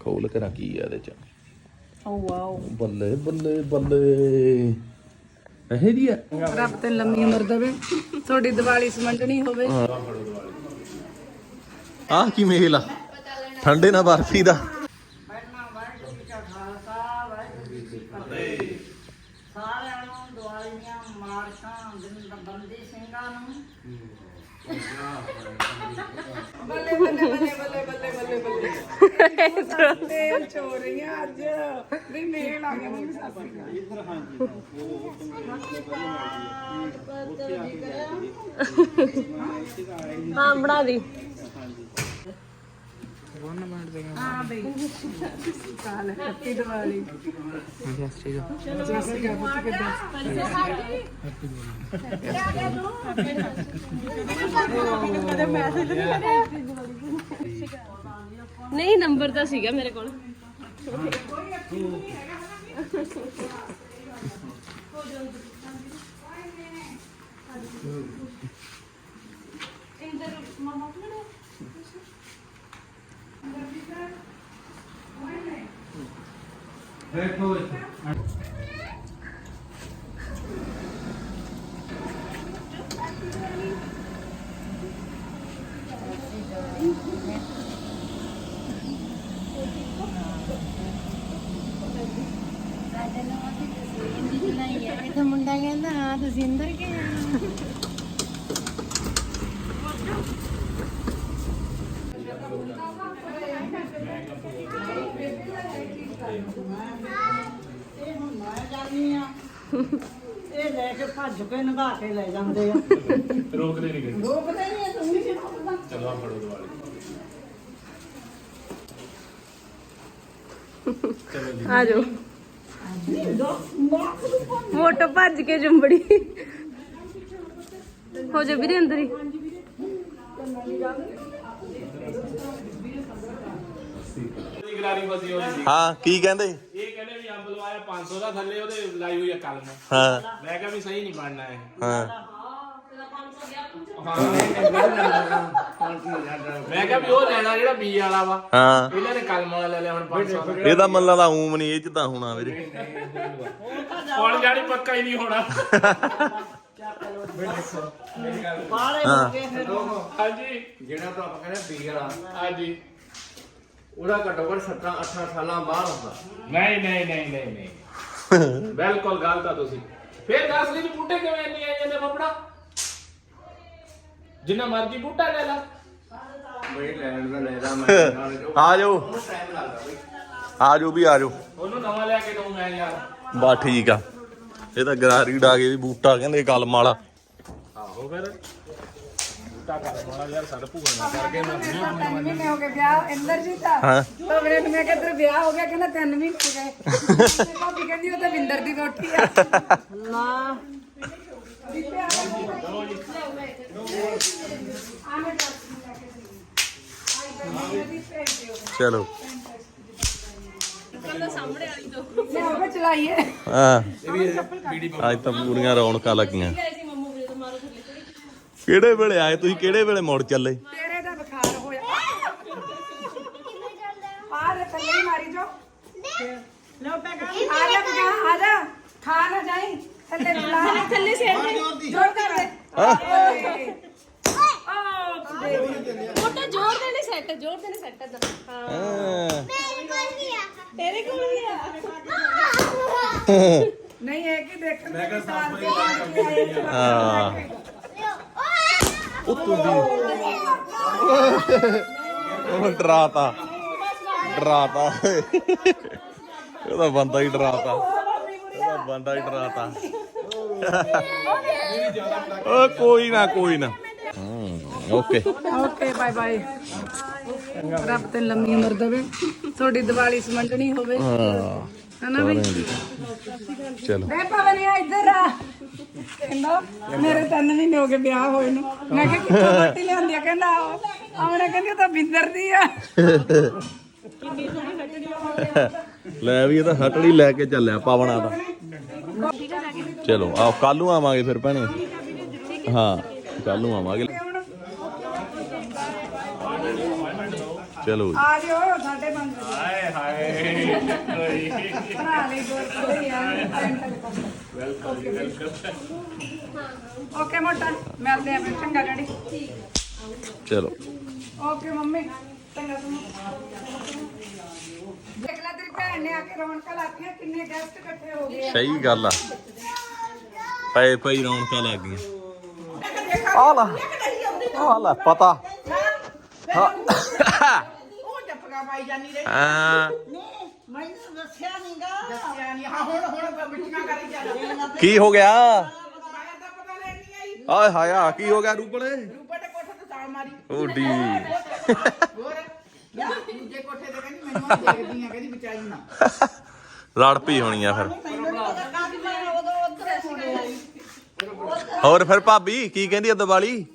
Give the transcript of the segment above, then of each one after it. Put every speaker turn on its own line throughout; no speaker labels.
ਖੋਲ ਕੇ ਰੱਖੀ ਆ ਇਹਦੇ ਚ।
ਓ ਵਾਓ
ਬੱਲੇ ਬੱਲੇ ਬੱਲੇ ਇਹ ਦੀ ਆ।
ਰੱਬ ਤੇ ਲੰਮੀ ਉਮਰ ਦੇਵੇ, ਤੁਹਾਡੀ ਦੀਵਾਲੀ ਸਮਝਣੀ ਹੋਵੇ।
ਆਹ ਕੀ ਮੇਲ ਆ ਠੰਡੇ ਨਾਲ ਬਰਫੀ ਦਾ।
ਸਾਰਿਆਂ ਨੂੰ ਦੀਵਾਲੀ ਦੀਆਂ ਮੁਬਾਰਕਾਂ ਬੰਦੀ ਸਿੰਘਾਂ ਨੂੰ। ਬੱਲੇ ਬੱਲੇ ਬੱਲੇ ਬੱਲੇ ਬੱਲੇ ਬੱਲੇ ਬੱਲੇ ਤੇਲ ਚੋ ਰਹੀਆਂ ਅੱਜ ਵੀ ਮੇਲ ਆ ਗਿਆ। ਮੰਮੀ ਸਾਸੀ
ਹਾਂ ਬਣਾ ਦੀ।
ਹਾਂ ਬਈ ਕਾਲ ਹੈਪੀ ਦੀਵਾਲੀ।
ਨਹੀਂ ਨੰਬਰ ਤਾਂ ਸੀਗਾ ਮੇਰੇ ਕੋਲ।
ਮੁੰਡਾ ਕਹਿੰਦਾ ਹਾਂ ਤੁਸੀਂ ਅੰਦਰ ਗਏ
ਇਹ ਲੈ ਕੇ ਭੱਜ ਕੇ ਨਗਾ ਕੇ ਲੈ ਜਾਂਦੇ ਆ।
ਰੋਕਦੇ ਨਹੀਂ ਗਏ।
ਰੋਕਦੇ ਨਹੀਂ ਤੂੰ ਨਹੀਂ ਰੋਕਦਾ।
ਚਲੋ ਆ ਫੜੋ ਦੀਵਾਲੀ।
ਆ ਜਾਓ। ਮੋਟੋ ਭੱਜ ਕੇ ਜੰਬੜੀ ਹੋ ਜਾ ਵੀਰੇ ਅੰਦਰ ਹੀ।
ਗਰਾਰੀ ਫਸੀ ਹੋਈ ਸੀ।
ਹਾਂ ਕੀ ਕਹਿੰਦੇ?
ਇਹ ਕਹਿੰਦੇ ਵੀ ਅੰਬ ਲਵਾਇਆ 500 ਦਾ, ਥੱਲੇ ਉਹਦੇ ਲਾਈ ਹੋਈ ਆ ਕਲਮ।
ਹਾਂ
ਮੈਂ ਕਿਹਾ ਵੀ ਸਹੀ ਨਹੀਂ ਬਣਨਾ ਇਹ।
ਹਾਂ
ਮੈਂ ਕਿਹਾ ਵੀ ਉਹ ਲੈਣਾ ਜਿਹੜਾ ਬੀ ਵਾਲਾ ਵਾ।
ਹਾਂ
ਇਹਨਾਂ ਨੇ ਕਲਮ ਵਾਲਾ ਲੈ ਲਿਆ ਹੁਣ 500 ਦਾ।
ਇਹਦਾ ਮੱਲਾ ਦਾ ਊਮ ਨਹੀਂ ਇਹ ਚ ਤਾਂ ਹੋਣਾ ਵੀਰੇ।
ਹੁਣ ਜਾਣੀ ਪੱਕਾ ਹੀ ਨਹੀਂ ਹੋਣਾ। ਹਾਂਜੀ
ਜਿਹੜਾ ਤਾਂ ਆਪਾਂ ਕਹਿੰਦੇ ਬੀ ਵਾਲਾ
ਹਾਂਜੀ।
ਉਹਦਾ ਘੱਟੋ ਘੱਟ 17-18 ਸਾਲਾਂ ਬਾਹਰ ਹੁੰਦਾ।
ਨਹੀਂ ਨਹੀਂ ਨਹੀਂ ਨਹੀਂ ਨਹੀਂ ਬਿਲਕੁਲ ਗਲਤ ਆ ਤੁਸੀਂ। ਫੇਰ ਦੱਸ ਲਈ ਵੀ ਬੂਟੇ ਕਿਵੇਂ ਇੰਨੇ ਆਏ ਜਾਂਦੇ ਫੱਫੜਾ? ਜਿੰਨਾ ਮਰਜ਼ੀ ਬੂਟਾ ਲੈ ਲਾ।
ਬਈ ਲੈਣ ਦਾ ਲੈਦਾ ਮੈਂ
ਆ ਜਾਓ
ਟਾਈਮ ਲੱਗਦਾ ਬਈ।
ਆ ਜਾਓ ਵੀ ਆ ਜਾਓ।
ਉਹਨੂੰ ਨਵਾਂ ਲਿਆ ਕੇ ਦਊਂ ਮੈਂ ਯਾਰ।
ਬਾ ਠੀਕ ਆ। ਇਹ ਤਾਂ ਗਰਾਰੀ ਡਾ ਕੇ ਵੀ ਬੂਟਾ ਕਹਿੰਦੇ ਕਲਮ ਵਾਲਾ।
ਆਹੋ ਫਿਰ ਬੂਟਾ ਕਰ ਮਾੜਾ ਯਾਰ ਸਾਡਾ ਭੂਆ ਨਾ ਕਰਕੇ ਮੈਂ
3 ਮਹੀਨੇ ਹੋ ਗਏ ਵਿਆਹ ਇੰਦਰਜੀਤ ਦਾ।
ਹਾਂ
ਤਾਂ ਮੇਰੇ ਨੂੰ ਮੈਂ ਕਿਹਾ ਤੇਰਾ ਵਿਆਹ ਹੋ ਗਿਆ, ਕਹਿੰਦਾ 3 ਮਹੀਨੇ ਹੋ ਗਏ। ਤੇ ਭਾਬੀ ਕਹਿੰਦੀ ਉਹ ਤਾਂ ਵਿੰਦਰ ਦੀ ਰੋਟੀ ਆ। ਨਾ
ਚਲੋ
ਮੈਂ ਉਹ ਚਲਾਈਏ।
ਹਾਂ ਅੱਜ ਤਾਂ ਪੂਰੀਆਂ ਰੌਣਕਾਂ ਲੱਗੀਆਂ। ਕਿਹੜੇ ਵੇਲੇ ਆਏ ਤੁਸੀਂ? ਕਿਹੜੇ ਵੇਲੇ ਮੁੜ ਚੱਲੇ?
ਤੇਰੇ ਦਾ ਬੁਖਾਰ ਹੋਇਆ। ਆ ਲੈ ਥੱਲੇ ਹੀ ਮਾਰੀ ਜੋ। ਲਓ ਪੈਗਾ ਆ ਜਾ ਬਗਾ ਆ ਜਾ। ਖਾ ਨਾ ਜਾਈ ਥੱਲੇ ਲਾ
ਥੱਲੇ ਸੇ
ਜੋਰ ਕਰ ਦੇ।
ਮੋਟਾ ਜ਼ੋਰ ਦੇ ਨਹੀਂ ਸੈੱਟ, ਜ਼ੋਰ ਦੇ ਨਹੀਂ ਸੈੱਟ ਇਧਰ। ਹਾਂ ਤੇਰੇ ਕੋਲ ਵੀ ਆ।
ਨਹੀਂ ਇਹ ਕੀ ਦੇਖਣ ਮੈਂ ਸਾਲ ਦੇ ਬਾਅਦ ਆਏ।
ਹਾਂ ਉੱਤੋਂ ਦੀ ਉਹ ਡਰਾਤਾ ਇਹਦਾ ਬੰਦਾ ਹੀ ਡਰਾਤਾ। ਓ ਕੋਈ ਨਾ ਓਕੇ
ਬਾਏ ਬਾਏ। ਰੱਬ ਤੇ ਲੰਮੀ ਉਮਰ ਦੇਵੇ, ਤੁਹਾਡੀ ਦੀਵਾਲੀ ਸਮਝਣੀ ਹੋਵੇ। ਹਨਾ ਬਈ
ਚਲੋ
ਮੈਂ ਪਵਨ ਇੱਧਰ ਆ। ਕਹਿੰਦਾ ਮੇਰੇ 3 ਮਹੀਨੇ ਹੋ ਗਏ ਵਿਆਹ ਹੋਏ ਨੂੰ। ਮੈਂ ਕਿਹਾ ਕਿੱਥੋਂ ਰੋਟੀ ਲਿਆਂਦੀ ਆ? ਕਹਿੰਦਾ ਆਉਣਾ ਕਹਿੰਦੀ ਉਹ ਤਾਂ ਬਿੰਦਰ ਦੀ ਆ।
ਲੈ ਵੀ ਇਹ ਤਾਂ ਹਟੜੀ ਲੈ ਕੇ ਚੱਲਿਆ ਪਾਵਣਾ ਦਾ। ਚਲੋ ਆ ਕੱਲ ਨੂੰ ਆਵਾਂਗੇ ਫਿਰ ਭੈਣੇ। ਹਾਂ ਕੱਲ ਨੂੰ ਆਵਾਂਗੇ। ਚਲੋ
ਆ ਜਿਓ 5:30 ਵਜੇ। ਭਰਾ ਲਈ ਗੋਲ ਯਾਰ
ਵੈਲਕਮ ਜੀ ਵੈਲਕਮ।
ਓਕੇ ਮੋਟਾ ਮਿਲਦੇ ਆ ਫਿਰ ਚੰਗਾ ਡੈਡੀ
ਚਲੋ
ਓਕੇ ਮੰਮੀ ਚੰਗਾ ਸੁਣੋ ਦੇਖ ਲੈ ਤੇਰੀ ਭੈਣ ਨੇ ਆ ਕੇ ਰੌਣਕਾਂ ਲਾਤੀਆਂ ਕਿੰਨੇ ਗੈਸਟ ਇਕੱਠੇ ਹੋ ਗਏ
ਸਹੀ ਗੱਲ ਆ ਪਏ ਪਈ ਰੌਣਕਾਂ ਲੱਗ ਗਈਆਂ ਆ ਲੈ ਪਤਾ ਹਾਂ
ਉਹ ਜੱਫਗਾ ਪਾਈ ਜਾਨੀ ਰੇ
ਹਾਂ
ਮੈਨੂੰ ਦੱਸਿਆ ਨਹੀਂ ਹਾਂ ਹੁਣ ਮਿੱਠੀਆਂ ਕਰੀ ਚੱਲ
ਕੀ ਹੋ ਗਿਆ
ਮੈਂ ਤਾਂ ਪਤਾ ਲੈਣ ਨਹੀਂ ਆਈ
ਆਏ ਹਾਏ ਆ ਕੀ ਹੋ ਗਿਆ ਰੂਪੜੇ
ਰੂਪਾ ਦੇ ਕੋਠੇ ਤੇ ਸਾਲ ਮਾਰੀ
ਓਡੀ
ਹੋਰ ਦੂਜੇ ਕੋਠੇ ਤੇ ਕਹਿੰਦੀ ਮੈਨੂੰ ਆ ਦੇਖਦੀ ਆ ਕਹਿੰਦੀ ਬਚਾਈ ਨਾ
ਲੜ ਪਈ ਹੋਣੀ ਆ ਫਿਰ ਹੋਰ ਫਿਰ ਭਾਬੀ ਕੀ ਕਹਿੰਦੀ ਆ ਦੀਵਾਲੀ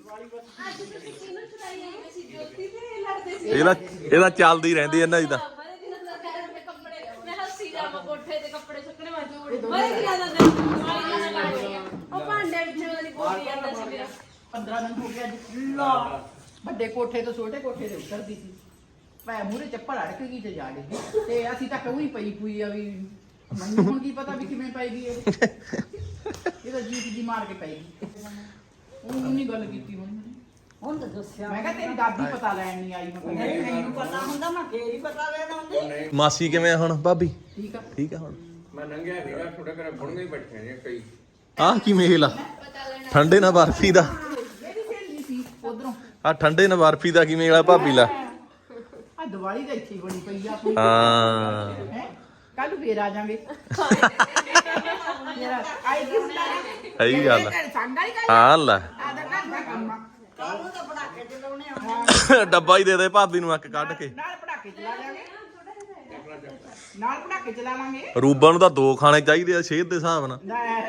ਇਹਦਾ ਚੱਲਦੀ ਰਹਿੰਦੀ ਇਹਨਾਂ ਦੀ ਤਾਂ
ਮੈਂ ਹੱਸੀ ਜਾਵਾਂ ਕੋਠੇ ਤੇ ਕੱਪੜੇ ਸੁੱਕਣੇ ਵਾਜੂ ਬੜੇ ਦਿਨਾਂ ਦਾ ਦਿਨ ਉਹ ਭਾਂਡੇ ਵਿੱਚ ਵਾਲੀ ਬੋਲੀ ਜਾਂਦਾ ਸੀ ਮੇਰਾ
15 ਦਿਨ ਹੋ ਗਿਆ ਲਾ ਵੱਡੇ ਕੋਠੇ ਤੋਂ ਛੋਟੇ ਕੋਠੇ ਤੇ ਉਤਰਦੀ ਸੀ ਪੈ ਮੂਰੇ ਚੱਪਲ ਅੜਕ ਗਈ ਤੇ ਜਾ ਡਿੱਗੀ ਤੇ ਅਸੀਂ ਤਾਂ ਕਹੂੰ ਹੀ ਪਈ ਆ ਵੀ ਮੈਨੂੰ ਹੁਣ ਕੀ ਪਤਾ ਵੀ ਕਿਵੇਂ ਪਈ ਗਈ ਇਹ ਤਾਂ ਜੀਤ ਦੀ ਮਾਰ ਕੇ ਪਈ ਗਈ ਉਹ ਨਹੀਂ ਗੱਲ ਕੀਤੀ ਹੁਣ ਤਾਂ ਦੱਸਿਆ ਮੈਂ ਕਿਹਾ ਤੇਰੀ ਦਾਦੀ ਪਤਾ ਲੈਣ ਨਹੀਂ ਆਈ ਮੈਨੂੰ ਪਤਾ ਹੁੰਦਾ ਮੈਂ ਫੇਰ ਹੀ ਪਤਾ ਲੈਣ ਆਉਂਦੀ
ਮਾਸੀ ਕਿਵੇਂ ਆ ਹੁਣ ਭਾਬੀ
ਠੀਕ ਆ
ਹੁਣ
ਮੈਂ ਨੰਗਿਆ ਸੀਗਾ ਤੁਹਾਡੇ ਘਰੇ ਬੁਣਗੇ ਹੀ ਬੈਠੇ ਨੇ ਕਈ
ਆਹ ਕੀ ਮੇਲ ਆ ਠੰਡੇ ਨਾਲ ਬਰਫੀ ਦਾ
ਮੇਰੀ ਸਹੇਲੀ ਸੀ ਉਧਰੋਂ
ਆ ਠੰਡੇ ਨਾਲ ਬਰਫੀ ਦਾ ਕੀ ਮੇਲ ਆ ਭਾਬੀ ਲਾ
ਆ ਦੀਵਾਲੀ ਦਾ ਇੱਥੇ ਬਣੀ ਪਈ ਆ ਆਪਣੀ
ਹਾਂ
ਹੈ ਕੱਲ ਫੇਰ ਆ ਜਾਾਂਗੇ ਯਾਰ ਆਈ ਕੀ ਹੁੰਦਾ
ਸਹੀ ਗੱਲ ਆ
ਸੰਗਾ ਹੀ
ਹਾਂ ਲੈ
ਆਦਾ ਘਰ ਦਾ ਕੰਮ ਆ ਕਾਹਨੂੰ ਤਾਂ ਪੜਾਕੇ ਚਲਾਉਣੇ ਆ
ਡੱਬਾ ਹੀ ਦੇ ਦੇ ਭਾਬੀ ਨੂੰ ਇੱਕ ਕੱਢ ਕੇ
ਨਾਲ ਪੜਾਕੇ ਚਲਾ ਲਾਂਗੇ ਨਾਲ ਪੜਾਕੇ ਚਲਾ ਲਾਂਗੇ
ਰੂਬਾ ਨੂੰ ਤਾਂ 2 ਖਾਣੇ ਚਾਹੀਦੇ ਆ ਸ਼ੇਰ ਦੇ ਹਿਸਾਬ ਨਾਲ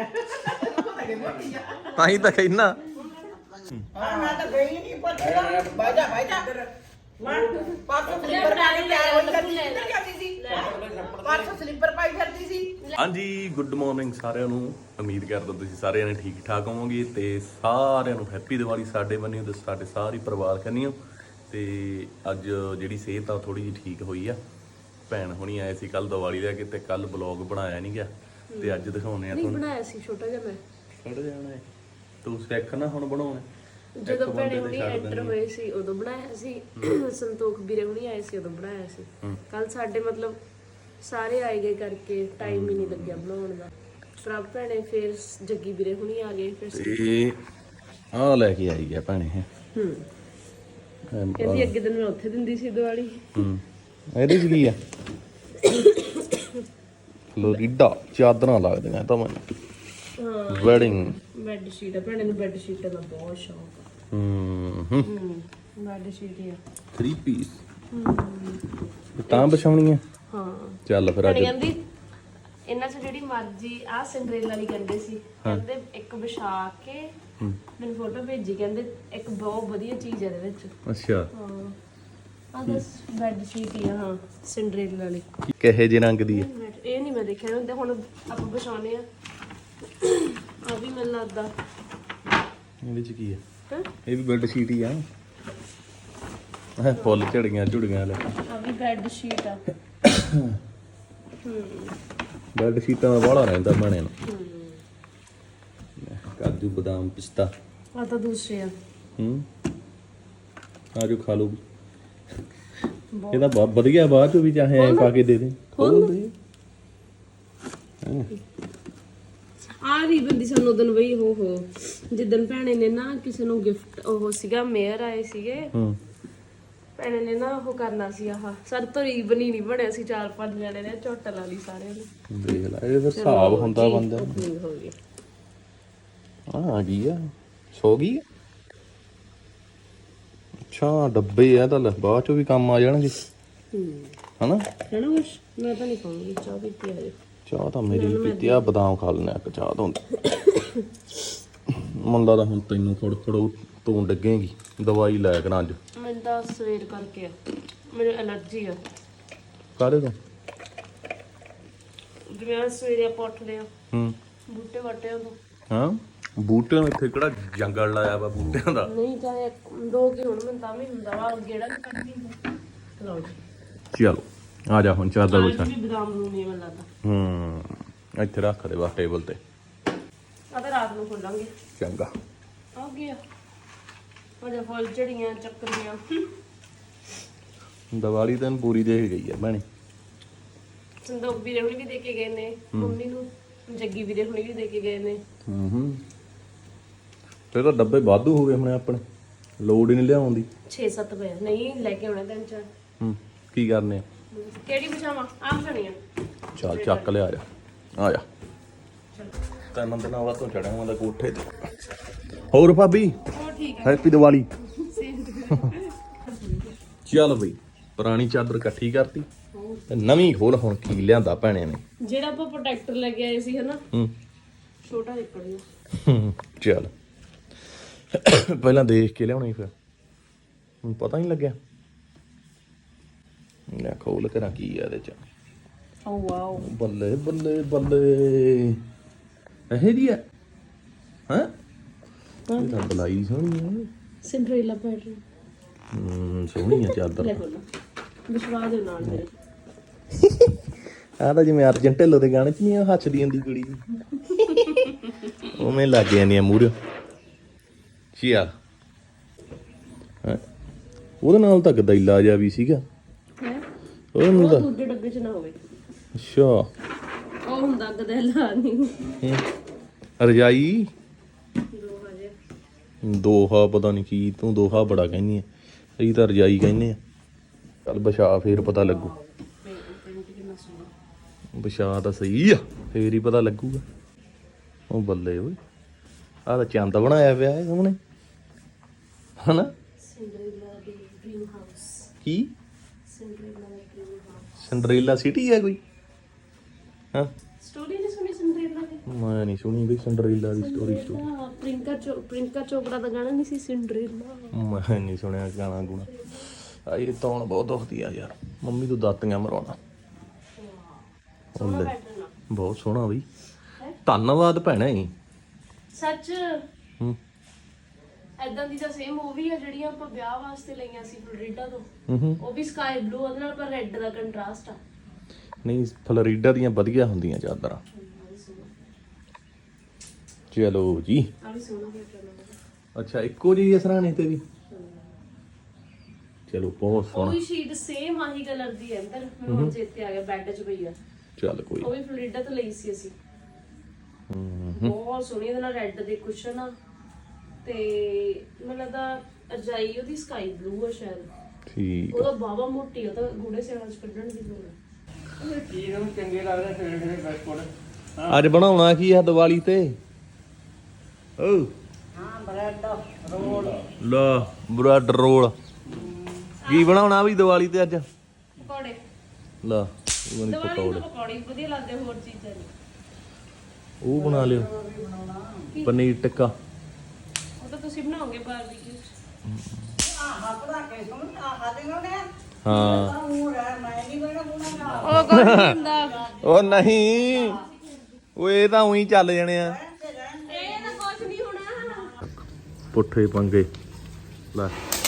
ਤਾਂ ਹੀ ਤਾਂ ਕਹਿਣਾ
ਮੈਂ ਤਾਂ ਗਈ ਨਹੀਂ ਪਤਾ ਬਾਜਾ ਪਾਸੋਂ ਸਲੀਪਰ ਪਾਈ ਫਿਰਦੀ ਸੀ ਪਾਸੋਂ ਸਲੀਪਰ ਪਾਈ ਫਿਰਦੀ ਸੀ
ਹਾਂਜੀ ਗੁੱਡ ਮਾਰਨਿੰਗ ਸਾਰਿਆਂ ਨੂੰ ਉਮੀਦ ਕਰਦਾ ਤੁਸੀਂ ਸਾਰਿਆਂ ਨੇ ਠੀਕ ਠਾਕ ਹੋਵੋਗੇ ਤੇ ਸਾਰਿਆਂ ਨੂੰ ਹੈਪੀ ਦੀਵਾਲੀ ਸਾਡੇ ਬੰਨਿਓ ਤੇ ਸਾਡੇ ਸਾਰੇ ਪਰਿਵਾਰ ਕੰਨਿਓ ਤੇ ਅੱਜ ਜਿਹੜੀ ਸਿਹਤ ਆ ਥੋੜੀ ਜਿਹੀ ਠੀਕ ਹੋਈ ਆ ਭੈਣ ਹੁਣੀ ਆਏ ਸੀ ਕੱਲ ਦੀਵਾਲੀ ਦਾ ਕਿਤੇ ਕੱਲ ਬਲੌਗ ਬਣਾਇਆ ਨਹੀਂ ਗਿਆ ਤੇ ਅੱਜ ਦਿਖਾਉਣੇ ਆ ਤੁਹਾਨੂੰ
ਬਣਾਇਆ ਸੀ ਛੋਟਾ ਜਿਹਾ ਮੈਂ
ਛੱਡ ਜਾਣਾ ਤੂੰ ਸਿੱਖ ਨਾ ਹੁਣ ਬਣਾਉਣਾ
ਜਦੋਂ ਭੈਣੇ ਹੁਣੀ ਐਂਟਰ ਹੋਏ ਸੀ ਉਦੋਂ ਬਣਾਇਆ ਸੀ ਸੰਤੋਖ ਵੀਰੇ ਹੁਣੀ ਆਏ ਸੀ ਉਦੋਂ ਬਣਾਇਆ ਸੀ ਕੱਲ ਸਾਡੇ ਮਤਲਬ ਸਾਰੇ ਆਏ ਗਏ ਕਰਕੇ ਟਾਈਮ ਹੀ ਨਹੀਂ ਲੱਗਿਆ ਬਣਾਉਣ ਦਾ ਪ੍ਰਭ ਭੈਣੇ ਫਿਰ ਜੱਗੀ ਵੀਰੇ ਹੁਣੀ ਆ ਗਏ ਫਿਰ
ਤੇ ਆਹ ਲੈ ਕੇ ਆਈ ਆ ਭੈਣੇ
ਕਹਿੰਦੀ ਅੱਗੇ ਦਿਨ ਮੈਂ ਉੱਥੇ ਦਿੰਦੀ ਸੀ ਦੀਵਾਲੀ
ਇਹਦੇ ਚ ਕੀ ਆ ਫਲੋਰੀਡਾ ਚਾਦਰਾਂ ਲੱਗਦੀਆਂ ਤਾਂ ਮੈਨੂੰ ਵੈਡਿੰਗ
ਬੈੱਡ ਸ਼ੀਟ ਆ ਭੈਣੇ ਨੂੰ ਬੈੱਡ ਸ਼ੀਟਾਂ ਦਾ ਬਹੁਤ ਸ਼ੌਕ ਆ ਬੈੱਡ ਸ਼ੀਟ ਹੀ ਆ
3 ਪੀਸ ਤਾਂ ਵਿਛਾਉਣੀ ਆ
ਹਾਂ
ਚੱਲ ਫਿਰ ਅੱਜ
ਕਹਿੰਦੀ ਇਹਨਾਂ ਚ ਜਿਹੜੀ ਮਰਜ਼ੀ ਆ ਸਿੰਡਰੇਲਾ ਵਾਲੀ ਕਹਿੰਦੇ ਸੀ ਕਹਿੰਦੇ ਇੱਕ ਵਿਛਾ ਕੇ ਮੈਨੂੰ ਫੋਟੋ ਭੇਜੀ ਕਹਿੰਦੇ ਇੱਕ ਬਹੁਤ ਵਧੀਆ ਚੀਜ਼ ਹੈ ਇਹਦੇ ਵਿੱਚ
ਅੱਛਾ
ਹਾਂ ਆ ਬਸ ਬੈੱਡ ਸ਼ੀਟ ਹੀ ਆ ਹਾਂ ਸਿੰਡਰੇਲਾ ਵਾਲੀ
ਕਿਹੇ ਜਿਹੇ ਰੰਗ ਦੀ ਆ
ਇਹ ਨਹੀਂ ਮੈਂ ਦੇਖਿਆ ਹੁੰਦੇ ਹੁਣ ਆਪਾਂ ਵਿਛਾਉਣੇ ਆ ਆ ਵੀ ਮੈਨੂੰ ਲੱਗਦਾ
ਇਹਦੇ ਚ ਕੀ ਆ
ਹੈਂ?
ਇਹ ਵੀ ਬੈੱਡ ਸ਼ੀਟ ਹੀ ਆ ਫੁੱਲ ਝੜੀਆਂ ਲੈ
ਆ ਵੀ ਬੈੱਡ ਸ਼ੀਟ ਆ
ਬੈੱਡ ਸ਼ੀਟਾਂ ਦਾ ਬਾਹਲਾ ਰਹਿੰਦਾ ਬਣੇ ਨੂੰ ਕਾਜੂ ਬਦਾਮ ਪਿਸਤਾ
ਆ ਤਾਂ ਦੂਸਰੇ ਆ
ਆਜੋ ਖਾ ਲਓ ਇਹਦਾ ਬਹੁਤ ਵਧੀਆ ਬਾਅਦ ਚ ਵੀ ਚਾਹੇ ਐ ਪਾ ਕੇ ਦੇ ਦੇ ਖੋਲ ਦੇ
ਆ ਰੀਬਨ ਦੀ ਸਾਨੂੰ ਉਦੋਂ ਬਈ ਹੋ ਜਿੱਦਣ ਭੈਣੇ ਨੇ ਨਾ ਕਿਸੇ ਨੂੰ ਗਿਫਟ ਉਹ ਸੀਗਾ ਮੇਅਰ ਆਏ ਸੀਗੇ ਭੈਣੇ ਨੇ ਨਾ ਉਹ ਕਰਨਾ ਸੀ ਆਹ ਸਾਡੇ ਤੋਂ ਰੀਬਨ ਹੀ ਨਹੀਂ ਬਣਿਆ ਸੀ 4-5 ਜਣੇ ਨੇ ਝੋਟ ਲਾ ਲਈ ਸਾਰਿਆਂ ਨੂੰ
ਦੇਖ ਲੈ ਇਹ ਫਿਰ ਹਿਸਾਬ ਹੁੰਦਾ ਬੰਦਾ
opening ਹੋ ਗਈ
ਆ ਗਈ ਆ ਸੋ ਗਈ ਅੱਛਾ ਡੱਬੇ ਆ ਤਾਂ ਲੈ ਬਾਅਦ ਚੋਂ ਵੀ ਕੰਮ ਆ ਜਾਣਗੇ ਹਨਾ
ਹੈ ਨਾ ਕੁਛ ਮੈਂ ਤਾਂ ਨਹੀਂ ਖਾਉਂਗੀ ਚਾਹ ਪੀਤੀ ਹਜੇ
ਚਾਹ ਤਾਂ ਮੇਰੀ ਵੀ ਪੀਤੀ ਆ ਬਦਾਮ ਖਾ ਲੈਣਾ ਇੱਕ ਚਾਹ ਤੋਂ ਮੁੰਡਾ ਤਾਂ ਹੁਣ ਤੈਨੂੰ ਫੜੋ ਤੂੰ ਡੱਗੇਗੀ ਦਵਾਈ ਲੈ ਕੇ ਨਾ ਅੱਜ
ਮੈਨੂੰ ਤਾਂ ਸਵੇਰ ਕਰਕੇ ਆ ਮੈਨੂੰ ਐਲਰਜੀ ਆ
ਕਾਹਦੇ ਤੋਂ
ਜਿਵੇਂ ਅੱਜ ਸਵੇਰੇ ਆਪਾਂ ਉੱਠਦੇ ਆ ਬੂਟੇ ਵਾਟਿਆਂ ਤੋਂ
ਹਾਂ ਬੂਟਿਆਂ ਨੂੰ ਇੱਥੇ ਕਿਹੜਾ ਜੰਗਲ ਲਾਇਆ ਵਾ ਬੂਟਿਆਂ ਦਾ
ਨਹੀਂ ਚਾਹੇ ਦੋ ਕੀ ਹੁਣ ਮੈਨੂੰ ਤਾਂ ਵੀ ਹੁੰਦਾ ਵਾ ਗੇੜਾ ਵੀ ਕੱਢਦੀ ਹੁੰਦਾ ਲਓ ਜੀ
ਚਲੋ ਆ ਜਾ ਹੁਣ ਚਾਦਰ ਵਿਛਾ।
ਵੀ ਬਦਾਮ ਨੂੰ ਨਹੀਂ ਮੈਨੂੰ ਲੱਗਦਾ।
ਇੱਥੇ ਰੱਖ ਦੇ ਬਸ ਟੇਬਲ ਤੇ।
ਆ ਤਾਂ ਰਾਤ ਨੂੰ ਖੋਲਾਂਗੇ।
ਚੰਗਾ।
ਆ ਗਿਆ ਉਹਦੇ ਫੁੱਲ ਝੜੀਆਂ ਚੱਕਰੀਆਂ।
ਦੀਵਾਲੀ ਤਾਂ ਪੂਰੀ ਦੇਖ ਗਈ ਆ ਭੈਣੇ।
ਸੰਦੋਗ ਵੀਰੇ ਹੁਣੀ ਵੀ ਦੇ ਕੇ ਗਏ ਨੇ ਮੰਮੀ ਨੂੰ, ਜੱਗੀ ਵੀਰੇ ਹੁਣੀ ਵੀ ਦੇ ਕੇ ਗਏ ਨੇ।
ਤੇ ਤਾਂ ਡੱਬੇ ਵਾਧੂ ਹੋ ਗਏ ਹੁਣ ਆਪਣੇ, ਲੋੜ ਹੀ ਨਹੀਂ ਲਿਆਉਣ ਦੀ।
6-7 ਪਏ ਨਹੀਂ ਲੈ ਕੇ ਆਉਣਾ 3-4।
ਕੀ ਕਰਨੇ ਆ?
ਕਿਹੜੀ ਪਜਾਮਾ ਆਪ ਜਾਣੀਆਂ।
ਚੱਲ ਚੱਕ ਲਿਆ, ਆ ਜਾ ਤਿੰਨ ਦਿਨਾਂ ਬਾਅਦ ਤੋਂ ਚੜਿਆ ਹੁੰਦਾ ਕੋਠੇ ਤੇ। ਹੋਰ ਭਾਬੀ
ਉਹ ਠੀਕ
ਹੈਪੀ ਦੀਵਾਲੀ। ਚੱਲ ਬਈ ਪੁਰਾਣੀ ਚਾਦਰ ਇਕੱਠੀ ਕਰਤੀ ਤੇ ਨਵੀਂ ਖੋਲ। ਹੁਣ ਕੀ ਲਿਆਂਦਾ ਭੈਣੇ ਨੇ?
ਜਿਹੜਾ ਆਪਾਂ ਪ੍ਰੋਟੈਕਟਰ ਲੈ ਕੇ ਆਏ ਸੀ ਹਨਾ, ਛੋਟਾ ਨਿਕਲ ਗਿਆ।
ਚੱਲ ਪਹਿਲਾਂ ਦੇਖ ਕੇ ਲਿਆਉਣੀ, ਫਿਰ ਹੁਣ ਪਤਾ ਨਹੀਂ ਲੱਗਿਆ। ਲੈ ਖੋਲ ਕੇ ਨਾ ਕੀ ਆ ਇਹਦੇ ਚ।
ਓ ਵਾਓ,
ਬੱਲੇ ਬੱਲੇ ਬੱਲੇ, ਇਹ ਦੀ ਆ ਹਾਂ। ਇਹ ਤਾਂ ਬਲਾਈ ਸੋਹਣੀ ਆ।
ਸਿੰਡਰੇਲਾ ਪੈਟਰਨ
ਸੋਹਣੀ ਆ ਚਾਦਰ।
ਲੈ ਬੋਲੋ ਵਿਸ਼ਵਾਸ ਦੇ ਨਾਲ ਮੇਰੇ।
ਆਹ ਤਾਂ ਜਿਵੇਂ ਅਰਜਨ ਢਿੱਲੋਂ ਦੇ ਗਾਣੇ ਚ ਨਹੀਂ ਹੱਸਦੀ ਹੁੰਦੀ ਕੁੜੀ ਉਵੇਂ ਲੱਗ ਜਾਂਦੀਆਂ ਮੂਹਰੇ। ਚੱਲ ਉਹਦੇ ਨਾਲ ਤਾਂ ਗਦੈਲਾ ਜਿਹਾ ਵੀ ਸੀਗਾ।
ਹੈ
ਉਹਨੂੰ
ਉਹ
ਤਾਂ
ਦੂਜੇ ਡੱਬੇ ਚ ਨਾ ਹੋਵੇ।
ਅੱਛਾ
ਉਹ ਹੁੰਦਾ ਗਦੈਲਾ ਨਹੀਂ।
ਰਜਾਈ
ਦੋ ਹਜੇ
ਦੋਹਾ, ਪਤਾ ਨਹੀਂ ਕੀ ਤੂੰ ਦੋਹਾ ਬੜਾ ਕਹਿੰਦੀ ਆ, ਅਸੀਂ ਤਾਂ ਰਜਾਈ ਕਹਿੰਦੇ ਆ। ਚੱਲ ਵਿਛਾ ਫੇਰ ਪਤਾ ਲੱਗੂ। ਵਿਛਾ ਤਾਂ ਸਹੀ ਆ, ਫੇਰ ਹੀ ਪਤਾ ਲੱਗੂਗਾ। ਉਹ ਬੱਲੇ ਓਏ, ਆਹ ਤਾਂ ਚੰਦ ਬਣਾਇਆ ਪਿਆ ਹੈ ਸਾਹਮਣੇ ਹਨਾ।
ਸਿੰਡਰੇਲਾ ਦੀ ਡ੍ਰੀਮ ਹਾਊਸ।
ਕੀ
ਸਿੰਡਰੇਲਾ ਦਾ ਡ੍ਰੀਮ ਹਾਊਸ।
ਸਿੰਡਰੇਲਾ ਸਿਟੀ ਹੈ ਕੋਈ? ਹਾਂ
ਸਟੋਰੀ ਨਹੀਂ ਸੁਣੀ ਸਿੰਡਰੇਲਾ ਦੀ?
ਮੈਂ ਨਹੀਂ ਸੁਣੀ ਬਈ ਸਿੰਡਰੇਲਾ ਦੀ ਸਟੋਰੀ।
ਪ੍ਰਿੰਕਾ ਚੋਪੜਾ ਦਾ ਗਾਣਾ ਨਹੀਂ ਸੀ ਸਿੰਡਰੇਲਾ?
ਮੈਂ ਨਹੀਂ ਸੁਣਿਆ ਗਾਣਾ ਗੁਣਾ। ਇਹ ਤੌਣ ਬਹੁਤ ਦੁਖਦੀ ਆ ਯਾਰ, ਮੰਮੀ ਤੋਂ ਦਾਤੀਆਂ ਮਰਾਉਣਾ।
ਸੋਹਣਾ ਪੈਟਰਨ ਆ
ਬਹੁਤ ਸੋਹਣਾ ਬਈ, ਧੰਨਵਾਦ ਭੈਣੇ।
ਸੱਚ
ਹੂੰ
ਐਦਾਂ ਦੀ ਤਾਂ ਸੇਮ ਉਹ ਵੀ ਆ ਜਿਹੜੀਆਂ ਆਪਾਂ ਵਿਆਹ ਵਾਸਤੇ ਲਈਆਂ ਸੀ ਫਲੋਰੀਡਾ ਤੋਂ।
ਹੂੰ
ਉਹ ਵੀ ਸਕਾਈ ਬਲੂ, ਉਹਦੇ ਨਾਲ ਪਰ ਰੈੱਡ ਦਾ ਕੰਟਰਾਸਟ ਆ।
ਨਹੀਂ ਫਲੋਰੀਡਾ ਦੀਆਂ ਵਧੀਆ ਹੁੰਦੀਆਂ ਚਾਦਰਾਂ। ਚਲੋ ਜੀ।
ਆ ਵੀ ਸੋਹਣਾ ਪੈਟਰਨ ਆ।
ਅੱਛਾ ਇੱਕੋ ਜਿਹੀ ਹੈ ਸਰਾਣੇ ਤੇ ਵੀ? ਚਲੋ ਬਹੁਤ
ਉਹ
ਸੋਹਣਾ।
ਵੀ ਸ਼ੀਟ ਸੇਮ ਆਹੀ ਕਲਰ ਦੀ ਹੈ ਅੰਦਰ। ਮੈਨੂੰ ਹੁਣ ਚੇਤੇ ਆ ਗਿਆ, ਬੈੱਡ 'ਚ ਪਈ ਆ।
ਚੱਲ ਕੋਈ
ਉਹ ਵੀ ਫਲੋਰੀਡਾ ਤੋਂ ਲਈ ਸੀ ਅਸੀਂ। ਬਹੁਤ ਸੋਹਣੀ, ਇਹਦੇ ਨਾਲ ਰੈੱਡ ਦੇ ਕੁਸ਼ਨ ਆ ਤੇ ਮੈਨੂੰ ਲੱਗਦਾ ਰਜਾਈ ਉਹਦੀ ਸਕਾਈ ਬਲੂ ਆ ਸ਼ਾਇਦ।
ਠੀਕ
ਉਹਦਾ ਬਾਵਾ ਮੋਟੀ, ਉਹ ਤਾਂ ਗੂੜੇ ਸਿਆਲਾਂ 'ਚ ਕੱਢਣ ਦੀ ਲੋੜ ਆ।
ਚੀਜ਼ ਨੂੰ ਚੰਗੇ ਲੱਗਦੇ ਫਿਰ ਬਿਸਕੁਟ।
ਅੱਜ ਬਣਾਉਣਾ ਕੀ ਆ ਦੀਵਾਲੀ ਤੇ? ਓ
ਹਾਂ ਬ੍ਰੈਡ ਰੋਲ।
ਲਾ ਬ੍ਰੈਡ ਰੋਲ। ਕੀ ਬਣਾਉਣਾ ਵੀ ਦੀਵਾਲੀ ਤੇ ਅੱਜ?
ਪਕੌੜੇ।
ਲਾ ਉਹ ਨਹੀਂ
ਦੀਵਾਲੀ
ਪਕੌੜੇ,
ਨੂੰ ਪਕੌੜੇ ਹੀ ਵਧੀਆ ਲੱਗਦੇ, ਹੋਰ ਚੀਜ਼ਾਂ ਨਹੀਂ।
ਉਹ ਬਣਾ ਲਿਓ ਪਨੀਰ ਟਿੱਕਾ।
ਉਹ ਤਾਂ ਤੁਸੀਂ ਬਣਾਓਗੇ ਬਾਰਬੀਕਿਊ 'ਚ।
ਹਾਂ
ਉਹ ਕੋਈ ਨਹੀਂ ਹੁੰਦਾ।
ਉਹ ਨਹੀਂ, ਉਹ ਇਹ ਤਾਂ ਉਹੀ ਚੱਲ ਜਾਣੇ ਆ
ਇਹ ਤਾਂ ਕੁਝ ਨਹੀਂ ਹੋਣਾ।
ਪੁੱਠੇ ਪੰਗੇ। ਲੈ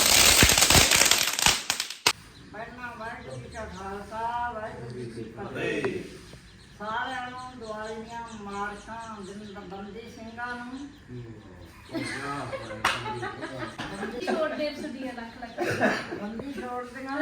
ਸਾਰਿਆਂ ਨੂੰ ਦਿਵਾਲੀ ਦੀਆਂ ਮਾਰਕਾਂ ਬੰਦੀ ਸਿੰਘਾਂ ਨੂੰ।
ਛੋਟੇ ਸਦੀਆਂ ਲੱਖ
ਬੰਦੀ ਛੋੜ ਦੀਆਂ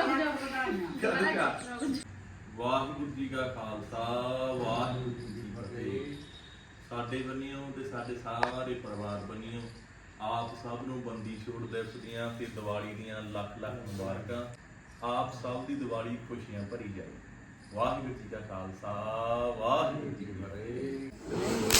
ਵਾਹਿਗੁਰੂ ਜੀ ਕਾ ਖਾਲਸਾ, ਵਾਹਿਗੁਰੂ ਜੀ ਕੀ ਫਤਿਹ। ਸਾਡੇ ਬੰਨਿਓ ਤੇ ਸਾਡੇ ਸਾਰੇ ਪਰਿਵਾਰ ਬੰਨਿਓ ਆਪ ਸਭ ਨੂੰ ਬੰਦੀ ਛੋੜ ਦਿਵਸ ਦੀਆਂ ਤੇ ਦੀਵਾਲੀ ਦੀਆਂ ਲੱਖ ਲੱਖ ਮੁਬਾਰਕਾਂ। ਆਪ ਸਭ ਦੀ ਦੀਵਾਲੀ ਖੁਸ਼ੀਆਂ ਭਰੀ ਜਾਏ। ਵਾਹਿਗੁਰੂ ਜੀ ਕਾ ਖਾਲਸਾ, ਵਾਹਿਗੁਰੂ ਜੀ ਕੀ ਫਤਿਹ।